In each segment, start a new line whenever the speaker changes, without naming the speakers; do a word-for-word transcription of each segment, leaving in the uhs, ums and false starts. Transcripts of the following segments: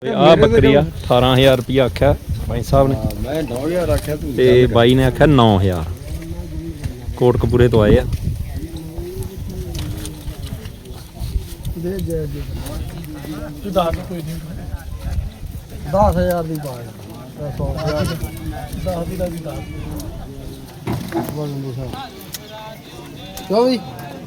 ਆ ਬੱਕਰੀ ਆ ਅਠਾਰਾਂ ਹਜ਼ਾਰ ਰੁਪਇਆ ਆਖਿਆ ਭਾਈ ਸਾਹਿਬ ਨੇ।
ਮੈਂ ਨੌ ਹਜ਼ਾਰ ਆਖਿਆ ਤੂੰ
ਤੇ ਬਾਈ ਨੇ ਆਖਿਆ ਨੌ ਹਜ਼ਾਰ। ਕੋਟਕਪੂਰੇ ਤੋਂ ਆਏ ਆ।
ਦੇ ਦੇ ਦੇ ਤੂੰ ਦੱਸ ਕੋਈ ਨਹੀਂ ਦਸ ਹਜ਼ਾਰ ਦੀ ਬਾਤ ਸੌ ਹਜ਼ਾਰ ਦਸ ਦੀ ਦਾ ਵੀ ਦਸ ਬੋਲਣ ਦੋ ਕਿਉਂ ਵੀ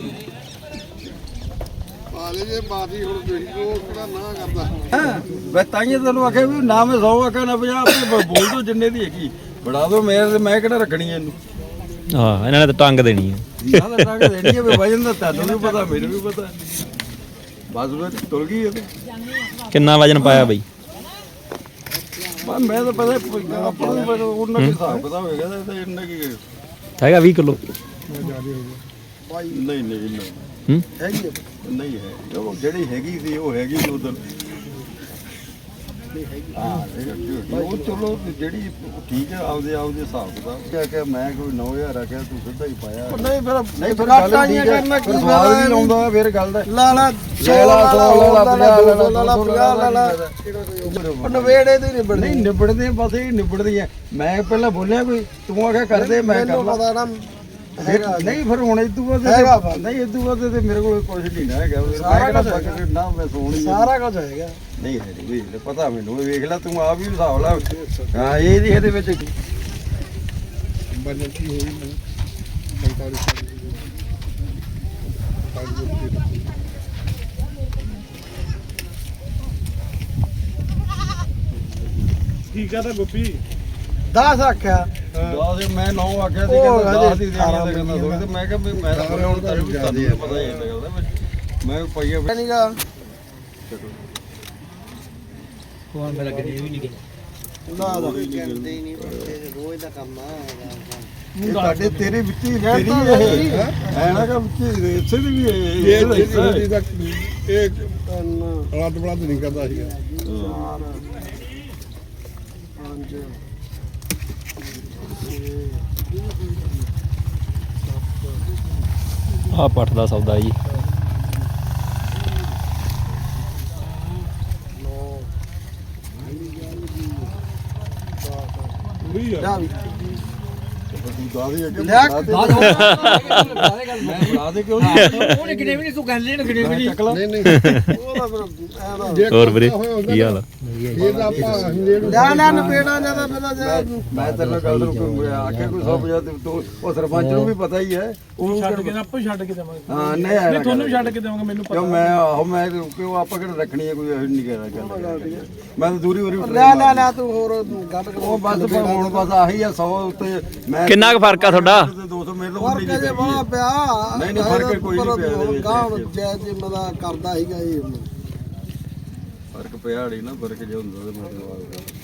ਪਾਲੇ ਜੇ ਮਾਰੀ ਹੁਣ ਤੁਸੀਂ ਉਹ ਕਿਹੜਾ ਨਾ ਕਰਦਾ ਹਾਂ ਮੈਂ ਤਾਂ ਹੀ ਤੈਨੂੰ ਆਖਿਆ ਵੀ ਨਾ ਮੈਂ ਸੌ ਆਖਿਆ ਨਾ ਪੰਜਾਹ ਆਪਣੇ ਬੋਲ ਦੋ ਜਿੰਨੇ ਦੀ ਹੈਗੀ ਬੜਾ ਦੋ ਮੇਰੇ ਤੇ ਮੈਂ ਕਿਹੜਾ ਰੱਖਣੀ ਇਹਨੂੰ।
ਹਾਂ ਇਹਨਾਂ ਨੇ ਤਾਂ ਟੰਗ ਦੇਣੀ ਆ।
ਨਾ ਤਾਂ ਟੰਗ ਦੇਣੀ ਹੈ ਵੀ ਵਜਨ ਦਾ ਤੈਨੂੰ ਵੀ ਪਤਾ ਮੈਨੂੰ ਵੀ ਪਤਾ ਬਸ ਉਹ ਤੁਰ ਗਈ ਇਹ
ਕਿੰਨਾ ਵਜਨ ਪਾਇਆ ਬਈ?
ਮੈਂ ਮੈਂ ਤਾਂ ਪਤਾ ਆਪਾਂ ਨੂੰ ਪਤਾ ਉਹਨਾਂ ਦੇ ਹਿਸਾਬ ਪਤਾ ਹੋਏਗਾ ਤਾਂ ਇੰਨਾ ਕੀ
ਹੈਗਾ ਵੀਹ ਕਿਲੋ।
ਨਹੀਂ ਨਹੀਂ ਨਹੀਂ
ਹੂੰ
ਹੈਗੀ ਨਹੀਂ ਹੈ ਉਹ ਜਿਹੜੀ ਹੈਗੀ ਸੀ ਉਹ ਹੈਗੀ ਉਧਰ ਹਾਂ ਉਹ ਚਲੋ ਜਿਹੜੀ ਠੀਕ ਹੈ ਆਪਦੇ ਆਪਦੇ ਹਿਸਾਬ ਦਾ ਕਿਹਾ ਕਿ ਮੈਂ ਕੋਈ ਨੌ ਹਜ਼ਾਰ ਆ ਗਿਆ ਤੂੰ ਸਿੱਧਾ ਹੀ ਪਾਇਆ ਨਹੀਂ ਫਿਰ ਨਹੀਂ ਫਿਰ ਗੱਲ ਕਰਨਾ ਕੀ ਸਵਾਲ ਨਹੀਂ ਲਾਉਂਦਾ ਫਿਰ ਗੱਲ ਦਾ ਲਾ ਲਾ ਸੌ ਲਾ ਲਾ ਪੰਜਾਹ ਲਾ ਲਾ ਪੰਜਾਹ ਲਾ ਲਾ ਨਵੇੜੇ ਤੇ ਨਿਬੜਦੇ ਨਹੀਂ ਨਿਬੜਦੇ ਬਸ ਇਹ ਨਿਬੜਦੀ ਹੈ। ਮੈਂ ਪਹਿਲਾਂ ਬੋਲਿਆ ਕੋਈ ਤੂੰ ਆਖਿਆ ਕਰਦੇ ਮੈਂ ਕਰ ਪਤਾ ਨਾ ਨਹੀਂ ਫਿਰ ਹੁਣ ਇਦੋਂ ਬਾਅਦ ਨਹੀਂ ਇਦੋਂ ਬਾਅਦ ਤੇ ਮੇਰੇ ਕੋਲ ਕੁਝ ਨਹੀਂ ਨਾ ਹੈਗਾ ਸਾਰਾ ਕੁਝ ਨਾ ਮੈਂ ਸੋਣੀ ਸਾਰਾ ਕੁਝ ਹੈਗਾ ਨਹੀਂ ਹੈ ਵੀ ਪਤਾ ਮੈਨੂੰ ਵੇਖ ਲੈ ਤੂੰ ਆਪ ਵੀ ਹਿਸਾਬ ਲਾ ਹਾਂ ਇਹ ਨਹੀਂ ਇਹਦੇ ਵਿੱਚ ਬਨਤੀ ਹੋਈ ਮੈਂ
ਠੀਕ ਆ ਤਾਂ ਗੁੱਪੀ ਦਸ ਆਖਿਆ
ਦਸ ਮੈਂ ਨੌ ਆਖਿਆ ਸੀ ਕਹਿੰਦਾ ਦਸ ਦੀ ਦੇਣੀ ਤੇ ਕਹਿੰਦਾ ਸੋਚ ਤੇ ਮੈਂ ਕਿਹਾ ਵੀ ਮੈਂ ਤਾਂ ਹੁਣ ਤੈਨੂੰ ਤੁਹਾਨੂੰ ਪਤਾ ਹੀ ਹੈ ਗੱਲ ਮੈਂ ਪਈਆ
ਨਹੀਂਗਾ
ਕੋਣ ਮੇਰਾ ਗਰੀਬ ਵੀ ਨਹੀਂ ਗਿਆ
ਨਾ ਦਾ
ਕਰਦੇ ਹੀ ਨਹੀਂ ਰੋਜ਼ ਦਾ ਕੰਮ ਆ
ਇਹ ਤੁਹਾਡੇ ਤੇਰੇ ਵਿੱਚ ਹੀ ਤੇਰੀ ਇਹ ਐ ਨਾ ਕਿ ਵਿੱਚ ਇਸੇ ਦੀ ਵੀ ਇਹ
ਇਹ ਰਾਤ ਬੜਾ ਨਹੀਂ ਕਰਦਾ ਸੀਗਾ ਪੰਜ
ਆ ਪੱਠ ਦਾ ਸੌਦਾ ਜੀ।
ਬਣਾ ਦੇ ਕਿਉਂ ਨਹੀਂ
ਉਹਨੇ ਕਿਨੇ ਵੀ ਨਹੀਂ ਤੂੰ ਗੱਲ ਨਹੀਂ ਕਿਨੇ ਵੀ ਨਹੀਂ
ਨਹੀਂ ਨਹੀਂ
ਹੋਰ ਵੀਰੇ ਕੀ ਹਾਲ ਆ?
ਨਾ ਨਾ ਨਪੇੜਾ ਜਿਆਦਾ ਪਹਿਲਾਂ
ਮੈਂ ਤੇਰੇ ਗੱਲ ਨੂੰ ਆ ਕੇ ਕੋਈ ਸੌ ਪੰਜਾਹ ਤੂੰ ਉਹ ਸਰਪੰਚ ਨੂੰ ਵੀ ਪਤਾ ਹੀ ਹੈ ਉਹ
ਛੱਡ ਕੇ ਆਪੇ ਛੱਡ ਕੇ ਦੇਵਾਂਗੇ
ਹਾਂ ਨਹੀਂ
ਨਹੀਂ ਤੁਹਾਨੂੰ ਵੀ ਛੱਡ ਕੇ ਦੇਵਾਂਗੇ ਮੈਨੂੰ
ਕਿਉਂ ਮੈਂ ਆਹੋ ਮੈਂ ਕਿਉਂ ਆਪਾਂ ਕਿਹੜਾ ਰੱਖਣੀ ਹੈ ਕੋਈ ਇਹ ਨਹੀਂ ਕਹਿਣਾ ਗੱਲ ਮੈਂ ਤਾਂ ਦੂਰੀ ਦੂਰੀ
ਲੈ ਲੈ ਲੈ ਤੂੰ ਹੋਰ ਗੱਲ
ਉਹ ਬਸ ਹੁਣ ਬਸ ਆਹੀ ਆ ਸੌ ਉੱਤੇ ਮੈਂ
ਕਿੰਨਾ ਕੁ ਫਰਕ ਆ ਤੁਹਾਡਾ?
ਦੋ ਸੌ ਮੇਰੇ ਤੋਂ
ਫਰਕ ਜੇ ਬੜਾ ਪਿਆ
ਨਹੀਂ ਨਹੀਂ ਫਰਕ ਕੋਈ ਨਹੀਂ ਪਿਆ ਇਹਦੇ ਵਿੱਚ
ਗਾਉਂ ਜੈ ਜੀ ਮਦਾ ਕਰਦਾ ਸੀਗਾ ਇਹ
ਫਰਕ ਪਿਆ ਨਹੀਂ ਨਾ ਫਰਕ ਜੇ ਹੁੰਦਾ ਤੇ ਮਤਲਬ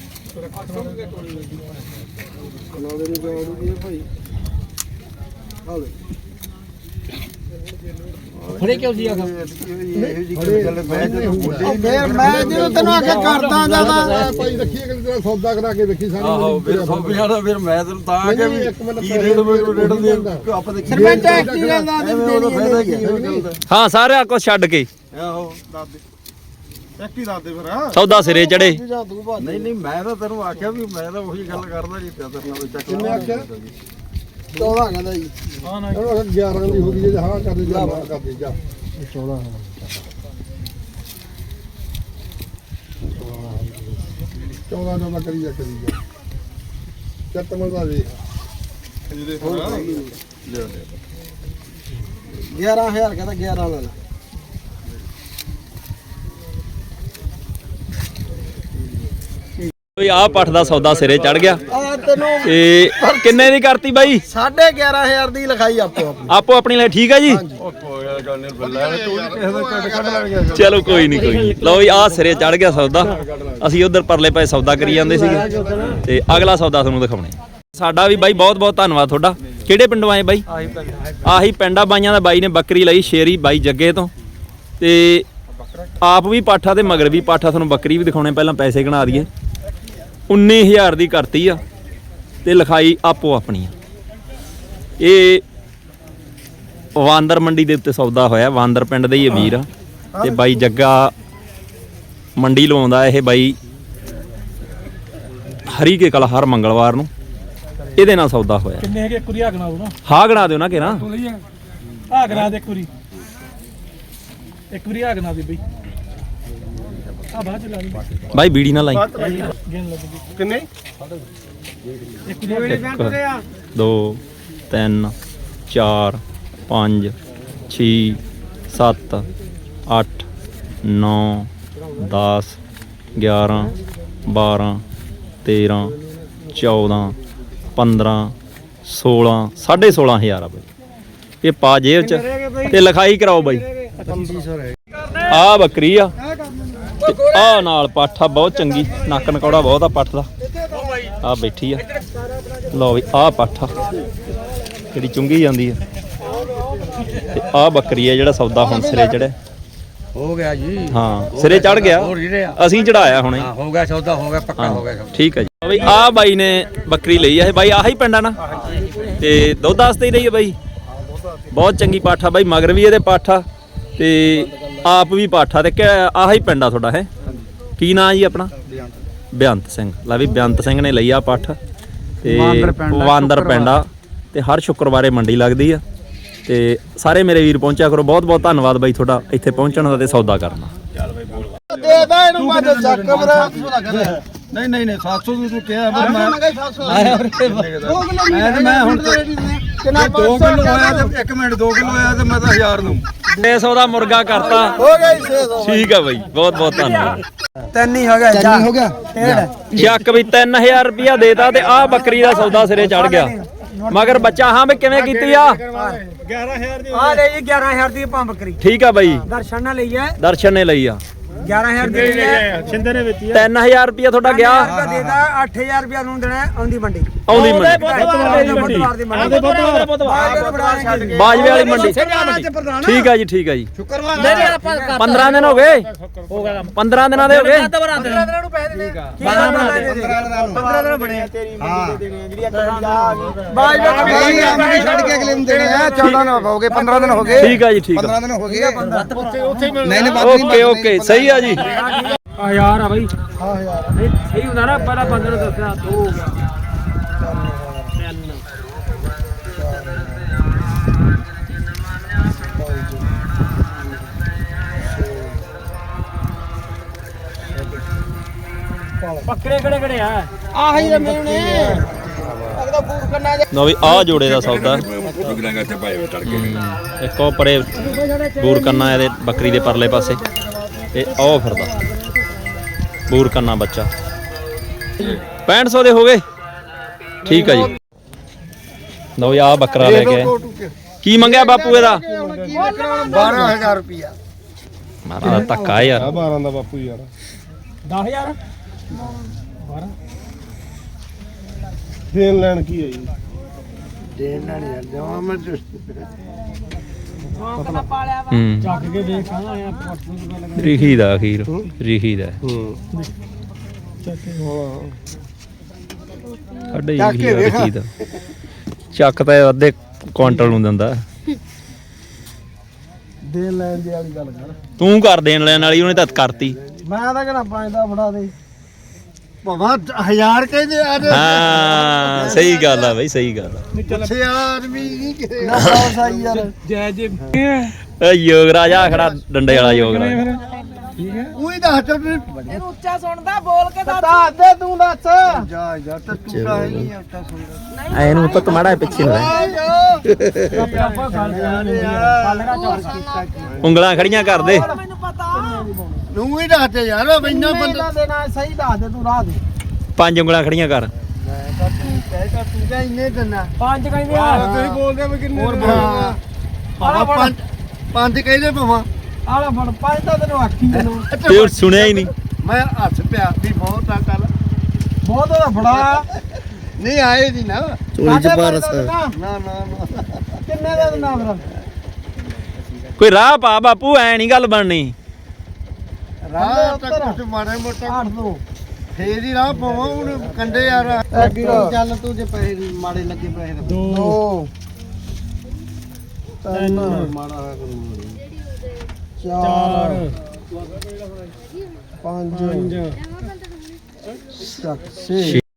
ਕਨਾਲੇ ਨੂੰ ਜਾੜੂਗੀ ਭਾਈ ਹਾਲੇ
ਫੜੇ ਕਿਉਂ ਸੀ ਆਖਾ
ਇਹ ਜੀ ਗੱਲ ਮੈਂ ਜਦੋਂ ਬੁੱਢੇ
ਫੇਰ ਮੈਂ ਜਦੋਂ ਤੈਨੂੰ ਆਖਿਆ ਕਰਦਾ ਜਿਆਦਾ
ਭਾਈ ਰੱਖੀਏ ਕਿ ਤੇਰਾ ਸੌਦਾ ਕਰਾ ਕੇ ਵੇਖੀ ਸਾਨੂੰ
ਆਹੋ ਫਿਰ ਸੌ ਪੰਜਾਹ ਦਾ ਫਿਰ ਮੈਂ ਤੈਨੂੰ ਤਾਂ ਆ ਗਿਆ ਵੀ ਕੀ ਰੇਟ ਮੇਰੇ ਰੇਟ ਦੇ ਆਪਾਂ ਦੇ
ਸਰਪੰਚ ਐਕਟੀ ਗੱਲ ਦਾ
ਉਹਦਾ ਫਾਇਦਾ ਕੀ ਉਹ ਗੱਲ ਦਾ
ਹਾਂ ਸਾਰਿਆਂ ਕੁਝ ਛੱਡ ਕੇ
ਆਹੋ ਦੱਸ ਦੇ
ਐਕਟੀ ਦੱਸ ਦੇ ਫਿਰ
ਸੌਦਾ ਸਿਰੇ ਚੜੇ।
ਨਹੀਂ ਨਹੀਂ ਮੈਂ ਤਾਂ ਤੈਨੂੰ ਆਖਿਆ ਵੀ ਮੈਂ ਤਾਂ ਉਹੀ ਗੱਲ ਕਰਦਾ ਜੀ ਪਿਆ ਤੇਰੇ ਨਾਲ ਚੱਕ
ਕਿੰਨੇ ਆਖਿਆ?
ਚੌਦਾਂ ਕਹਿੰਦਾ ਜੀ ਹਾਂ ਨਾ
ਉਹਨੂੰ ਗਿਆਰਾਂ ਦੀ ਹੋ ਗਈ ਜੇ ਹਾਂ ਕਰ ਦੇ ਜਾ ਨਾ ਕਰ ਦੇ ਜਾ
ਚੌਦਾਂ
ਚੌਦਾਂ ਦਾ ਕਰੀ ਜਾ ਕਰੀ ਜਾ ਚੱਤ ਮਜ਼ਾ ਵੇ
ਗਿਆਰਾਂ ਹਜ਼ਾਰ ਕਹਿੰਦਾ ਗਿਆਰਾਂ ਲੈ ਲੈ
ਓਏ ਆ ਪੱਠ ਦਾ ਸੌਦਾ ਸਿਰੇ ਚੜ ਗਿਆ।
ਆ ਤੈਨੂੰ
ਤੇ ਕਿੰਨੇ ਦੀ ਕਰਤੀ ਬਾਈ?
ਸਾਢੇ ਗਿਆਰਾਂ ਹਜ਼ਾਰ ਦੀ ਲਿਖਾਈ ਆਪੋ ਆਪਣੀ
ਆਪੋ ਆਪਣੀ ਲਈ ਠੀਕ ਆ ਜੀ।
ਉਹ ਕੋਈ ਗੱਲ ਨਹੀਂ ਬੱਲਾ ਤੂੰ ਵੀ ਕਿਸੇ ਦਾ ਕੱਢ ਕੱਢ ਲੈ ਗਿਆ
ਚਲੋ ਕੋਈ ਨਹੀਂ ਕੋਈ ਨਹੀਂ। ਲਓ ਜੀ ਆ ਸਿਰੇ ਚੜ ਗਿਆ ਸੌਦਾ। ਅਸੀਂ ਉਧਰ ਪਰਲੇ ਪਾਸੇ ਸੌਦਾ ਕਰੀ ਜਾਂਦੇ ਸੀਗੇ ਤੇ ਅਗਲਾ ਸੌਦਾ ਤੁਹਾਨੂੰ ਦਿਖਾਉਣੇ। ਸਾਡਾ ਵੀ ਬਾਈ ਬਹੁਤ ਬਹੁਤ ਧੰਨਵਾਦ ਤੁਹਾਡਾ। ਕਿਹੜੇ ਪਿੰਡੋਂ ਆਏ ਬਾਈ? ਆਹੀ ਪਿੰਡਾ ਬਾਈਆਂ ਦਾ ਬਾਈ ਨੇ ਬੱਕਰੀ ਲਈ ਸ਼ੇਰੀ ਬਾਈ ਜੱਗੇ ਤੋਂ ਤੇ ਆਪ ਵੀ ਪਾਠਾ ਤੇ ਮਗਰ ਵੀ ਪਾਠਾ। ਤੁਹਾਨੂੰ ਬੱਕਰੀ ਵੀ ਦਿਖਾਉਣੇ ਪਹਿਲਾਂ ਪੈਸੇ ਗਣਾ ਦਈਏ। ਉੱਨੀ ਹਜ਼ਾਰ ਦੀ ਕਰਤੀ ਆ ਤੇ ਲਿਖਾਈ ਆਪੋ ਆਪਣੀ ਆ। ਇਹ ਵਾਂਦਰ ਮੰਡੀ ਦੇ ਉੱਤੇ ਸੌਦਾ ਹੋਇਆ। ਵਾਂਦਰ ਪਿੰਡ ਦੇ ਹੀ ਵੀਰ ਆ ਤੇ ਬਾਈ ਜੱਗਾ ਮੰਡੀ ਲਵਾਉਂਦਾ ਇਹ ਬਾਈ ਹਰੀ ਕੇ ਕਲਾ ਹਰ ਮੰਗਲਵਾਰ ਨੂੰ। ਇਹਦੇ ਨਾਲ ਸੌਦਾ ਹੋਇਆ।
ਕਿੰਨੇ ਹੈਗੇ ਕੁਰੀ ਆਗਣਾ ਉਹ ਨਾ
ਹਾਂ ਗਣਾ ਦਿਓ ਨਾ ਕਿਹੜਾ
ਤੂੰ ਲਈ ਆ ਗਣਾ ਦੇ ਕੁਰੀ ਇੱਕ ਵਾਰੀ ਆਗਣਾ ਦੀ ਬਈ ਆ ਬਾਅਦ ਚ ਲਾ ਲਈ
ਬਾਈ ਬੀੜੀ ਨਾ ਲਾਈ।
ਗੇਨ ਲੱਗ ਕਿੰਨੇ ਇੱਕ ਵਾਰੀ
ਇੱਕ ਦੋ ਤਿੰਨ ਚਾਰ ਪੰਜ ਛੇ ਸੱਤ ਅੱਠ ਨੌ ਦਸ ਗਿਆਰਾਂ ਬਾਰਾਂ ਤੇਰਾਂ ਚੌਦਾਂ ਪੰਦਰਾਂ ਸੋਲਾਂ ਸਾਢੇ ਸੋਲਾਂ ਹਜ਼ਾਰ ਆ ਬਾਈ। ਇਹ ਪਾ ਜੇਬ ਚ ਤੇ ਲਿਖਾਈ ਕਰਾਓ ਬਾਈ। ਆ ਬੱਕਰੀ ਆ ਤੇ ਆ ਨਾਲ ਪਾਠਾ ਬਹੁਤ ਚੰਗੀ ਨੱਕ ਨਕੌੜਾ ਬਹੁਤ ਆ ਪੱਠ ਦਾ। ਆ ਬੈਠੀ ਆ ਲਓ ਵੀ ਆ ਪਾਠਾ ਜਿਹੜੀ ਚੁੰਗੀ ਜਾਂਦੀ ਆ ਤੇ ਆ ਬੱਕਰੀ ਆ ਜਿਹੜਾ ਸੌਦਾ ਹੁਣ ਸਿਰੇ ਚੜਿਆ
ਹੋ ਗਿਆ ਜੀ।
ਹਾਂ ਸਿਰੇ ਚੜ ਗਿਆ ਅਸੀਂ ਚੜਾਇਆ ਹੁਣੇ।
ਹੋ ਗਿਆ ਸੌਦਾ ਹੋ ਗਿਆ ਪੱਕਾ ਹੋ ਗਿਆ।
ਠੀਕ ਹੈ ਜੀ ਬਈ ਆ ਬਾਈ ਨੇ ਬੱਕਰੀ ਲਈ ਆ ਇਹ ਬਾਈ ਆਹੀ ਪਿੰਡ ਆ ਨਾ ਤੇ ਦੁੱਧ ਵਾਸਤੇ ਹੀ ਲਈ ਆ ਬਾਈ। ਬਹੁਤ ਚੰਗੀ ਪਾਠਾ ਬਾਈ ਮਗਰ ਵੀ ਇਹਦੇ ਪਾਠਾ ਤੇ ਆਪ ਵੀ ਪਾਠਾ ਤੇ ਆਹੀ ਪਿੰਡ ਆ ਤੁਹਾਡਾ ਹੈ ਕੀ ਨਾਂ ਜੀ ਆਪਣਾ? ਬੇਅੰਤ ਸਿੰਘ। ਲੈ ਵੀ ਬੇਅੰਤ ਸਿੰਘ ਨੇ ਲਈ ਆ ਪੱਠ ਤੇ ਵਾਂਦਰ ਪਿੰਡ ਆ ਤੇ ਹਰ ਸ਼ੁੱਕਰਵਾਰੇ ਮੰਡੀ ਲੱਗਦੀ ਆ ਤੇ ਸਾਰੇ ਮੇਰੇ ਵੀਰ ਪਹੁੰਚਿਆ ਕਰੋ। ਬਹੁਤ ਬਹੁਤ ਧੰਨਵਾਦ ਬਾਈ ਤੁਹਾਡਾ ਇੱਥੇ ਪਹੁੰਚਣ ਦਾ ਤੇ ਸੌਦਾ ਕਰਨਾ।
ਦੇ ਦਾ ਇਹਨੂੰ ਮਾ ਚੱਕ ਕਮਰਾ ਨਹੀਂ ਨਹੀਂ ਨਹੀਂ ਸੱਤ ਸੌ ਦੀ ਤੂੰ ਕਿਹਾ ਮੈਂ ਮੈਂ ਮੈਂ ਹੁਣ ਕਿੰਨਾ ਦੋ ਕਿਲੋ ਆਇਆ ਤੇ ਇੱਕ ਮਿੰਟ ਦੋ ਕਿਲੋ ਆਇਆ ਤੇ ਮੈਂ ਤਾਂ ਹਜ਼ਾਰ ਨੂੰ
ਛੇ ਸੌ ਦਾ ਮੁਰਗਾ ਕਰਤਾ।
ਹੋ ਗਿਆ ਛੇ ਸੌ।
ਠੀਕ ਆ ਬਾਈ ਬਹੁਤ ਬਹੁਤ ਧੰਨਵਾਦ।
ਤਿੰਨ ਹੀ ਹੋ ਗਿਆ
ਤਿੰਨ ਹੋ ਗਿਆ
ਚੱਕ ਵੀ ਤਿੰਨ ਹਜ਼ਾਰ ਰੁਪਇਆ ਦੇਤਾ ਤੇ ਆਹ ਬੱਕਰੀ ਦਾ ਸੌਦਾ ਸਿਰੇ ਚੜ ਗਿਆ। ਮਗਰ ਬੱਚਾ ਹਾਂ ਵੀ ਕਿਵੇਂ ਕੀਤੀ ਆ?
ਗਿਆਰਾਂ ਹਜ਼ਾਰ ਦੀ ਆ ਲੈ ਜੀ ਗਿਆਰਾਂ ਹਜ਼ਾਰ ਦੀ ਆਪਾਂ ਬੱਕਰੀ
ਠੀਕ ਆ ਬਾਈ
ਦਰਸ਼ਨ ਨੇ ਲਈ ਹੈ
ਦਰਸ਼ਨ ਨੇ ਲਈ ਆ
ਗਿਆਰਾਂ ਹਜ਼ਾਰ ਦੀ ਲਈ ਹੈ ਛਿੰਦੇ ਨੇ ਵੇਚੀ ਹੈ
ਤਿੰਨ ਹਜ਼ਾਰ ਰੁਪਇਆ ਤੁਹਾਡਾ ਗਿਆ
ਦੇਦਾ ਅੱਠ ਹਜ਼ਾਰ ਰੁਪਇਆ ਨੂੰ ਦੇਣਾ ਆਉਂਦੀ ਮੰਡੀ
ਆਉਂਦੀ ਮੰਡੀ
ਬੁੱਧਵਾਰ ਦੀ ਮੰਡੀ
ਬਾਜਵੇ ਵਾਲੀ ਮੰਡੀ। ਠੀਕ ਆ ਜੀ ਠੀਕ ਆ ਜੀ ਪੰਦਰਾਂ ਦਿਨ ਹੋ ਗਏ ਪੰਦਰਾਂ ਦਿਨਾਂ ਦੇ ਹੋ ਗਏ।
ਪੰਦਰਾਂ ਦਿਨਾਂ ਨੂੰ ਪੈਸੇ ਦੇਣੇ ਪੰਦਰਾਂ ਦਿਨ ਬਣੇ ਤੇਰੀ ਮੰਡੀ ਦੇ ਦੇਣੇ ਜਿਹੜੀ ਬਾਜਵੇ
ਛੱਡ ਕੇ ਅਗਲੇ ਨੂੰ ਦੇਣੇ ਆ ਚੌਦਾਂ ਦਿਨ ਹੋ ਗਏ ਪੰਦਰਾਂ ਦਿਨ ਹੋ ਗਏ।
ਠੀਕ ਆ ਜੀ ਠੀਕ ਆ
ਪੰਦਰਾਂ ਦਿਨ ਹੋ ਗਏ ਉੱਥੇ ਉੱਥੇ ਨਹੀਂ ਨਹੀਂ
ਓਕੇ ਓਕੇ ਸਹੀ ਆ ਜੀ।
ਆ ਯਾਰ ਆ ਬਾਈ ਹਾਂ ਯਾਰ ਸਹੀ ਹੁੰਦਾ ਨਾ ਪਹਿਲਾਂ ਪੰਦਰਾਂ ਦੱਸਿਆ ਦੋ ਹੋ ਗਿਆ ਪੱਕੜੇ ਕਿਹੜੇ ਕਿਹੜੇ ਆ ਆਹੀ ਤੇ ਮੈਨੂੰ ਨੇ ਅਗਦਾ ਬੂਟ ਕਰਨਾ
ਲਓ ਵੀ ਆਹ ਜੋੜੇ ਦਾ ਸੌਦਾ ਇੱਕ ਉਹ ਪਰੇ ਬੂਰ ਕੰਨਾ ਇਹਦੇ ਬੱਕਰੀ ਦੇ ਪਰਲੇ ਪਾਸੇ ਤੇ ਉਹ ਫਿਰਦਾ ਬੂਰ ਕੰਨਾ ਬੱਚਾ ਪੈਂਹਠ ਸੌ ਦੇ ਹੋ ਗਏ। ਠੀਕ ਆ ਜੀ ਲਓ ਆਹ ਬੱਕਰਾ ਲੈ ਕੇ ਆਏ। ਕੀ ਮੰਗਿਆ ਬਾਪੂ ਇਹਦਾ?
ਬਾਰਾਂ ਹਜ਼ਾਰ ਰੁਪਇਆ
ਮਾਰਾ ਦਾ ਧੱਕਾ ਯਾਰ।
ਬਾਰਾਂ ਦਾ ਬਾਪੂ ਯਾਰ
ਦਸ ਹਜ਼ਾਰ ਬਾਰਾਂ
ਦੇਣ ਲੈਣ ਕੀ ਹੈ ਜੀ?
ਦੇਣ ਨਾਲ ਯਾਰ ਜਮਾ ਮੈਂ
ਹੂੰ
ਚੱਕ ਕੇ ਦੇਖ ਆਣਾ ਆ ਪਰਸੋਂ ਦੀ ਗੱਲ ਕਰ
ਰਿਖੀ ਦਾ ਅਖੀਰ ਰਿਖੀ ਦਾ
ਹੂੰ
ਸਾਡੇ ਰਿਖੀ ਦਾ ਚੱਕ ਤਾਂ ਅੱਧੇ ਕੁਆਂਟਲ ਨੂੰ ਦਿੰਦਾ।
ਦੇਣ ਲੈਣ ਦੀ ਵਾਲੀ ਗੱਲ ਕਰ
ਤੂੰ ਕਰ ਦੇਣ ਲੈਣ ਵਾਲੀ ਉਹਨੇ ਤਾਂ ਕਰਤੀ।
ਮੈਂ ਤਾਂ ਕਹਿੰਦਾ ਪੰਜ ਦਾ ਫੜਾ ਦੇ
ਭਵਾ ਹਜ਼ਾਰ ਕਹਿੰਦੇ ਆ
ਹਾਂ ਸਹੀ ਗੱਲ ਆ ਬਈ ਸਹੀ ਗੱਲ ਆ।
ਪੁੱਛੇ ਆਦਮੀ ਨਹੀਂ ਕਿਸੇ
ਨਾ ਬਹੁਤ ਸਾਈ ਯਾਰ ਜੈ ਜੀ
ਏ ਯੋਗਰਾਜ ਆ ਖੜਾ ਡੰਡੇ ਵਾਲਾ ਯੋਗਰਾਜ।
ਉਹੀ ਦੱਸ ਤਾ ਵੀ
ਇਹਨੂੰ ਉੱਚਾ ਸੁਣਦਾ ਬੋਲ ਕੇ ਦੱਸ
ਦੱਸ ਦੇ ਤੂੰ ਦੱਸ
ਜਾ ਜਾ ਤਾਂ ਟੁੱਟਾ ਹੀ ਨਹੀਂ ਉੱਤਾ ਸੁਣਦਾ
ਐਨੂੰ ਤਾਂ ਕਮਾੜਾ ਪਿੱਛੇ ਹੋ ਰਿਹਾ।
ਆਪਾਂ ਗੱਲ ਕੱਲਗਾ ਚੌਰ ਕੀਤਾ
ਉਂਗਲਾਂ ਖੜੀਆਂ ਕਰ ਦੇ।
ਮੈਨੂੰ ਪਤਾ
ਨੂੰ ਹੀ ਦੱਸ ਤੇ ਯਾਰ ਇੰਨਾ ਬੰਦਾ
ਦੇਣਾ ਸਹੀ ਦੱਸ ਦੇ ਤੂੰ ਰਾਹ ਦੇ
ਪੰਜ ਉਂਗਲਾਂ ਖੜੀਆਂ ਕਰ।
ਕਹਿਤਾ ਤੂੰ ਕਿਹਾ ਇੰਨੇ ਦਿਨਾ
ਪੰਜ ਕਹਿੰਦੇ ਆ
ਤੁਸੀਂ ਬੋਲਦੇ ਵੀ ਕਿੰਨੇ
ਹੋਰ
ਹਾਂ ਪੰਜ ਪੰਜ ਕਹਿੰਦੇ ਭਵਾ
ਆਲਾ ਫੜ ਪੰਜ ਤਾਂ ਤੈਨੂੰ ਆਖੀ ਤੈਨੂੰ
ਤੇ ਉਹ ਸੁਣਿਆ ਹੀ ਨਹੀਂ।
ਮੈਂ ਹੱਸ ਪਿਆ ਵੀ ਬਹੁਤ ਆ ਕੱਲ
ਬਹੁਤ ਉਹਦਾ ਫੜਾ
ਨਹੀਂ ਆਏ ਜੀ ਨਾ
ਚੋਰੀ ਚ ਪਾਰਸ
ਨਾ ਨਾ ਨਾ
ਕਿੰਨੇ ਦਾ ਦਿਨਾ ਫਿਰ
ਕੋਈ ਰਾਹ ਪਾ ਬਾਪੂ ਐ ਨਹੀਂ ਗੱਲ ਬਣਨੀ।
ਰਾਹ ਤੱਕ ਕੁਝ ਮਾੜੇ ਮੋਟਾ
ਅੱਠ ਦੋ
ਫੇਰ ਹੀ ਰਾਹ ਪਵਾਂ ਹੁਣ ਕੰਡੇ ਯਾਰ
ਚੱਲ ਤੂੰ ਜੇ ਪੈਸੇ ਮਾੜੇ ਲੱਗੇ ਪੈਸੇ ਦੋ ਤਿੰਨ
ਮਾੜਾ ਹੋਇਆ ਕਰੂ
ਚਾਰ ਪੰਜ ਚੱਕ ਛੇ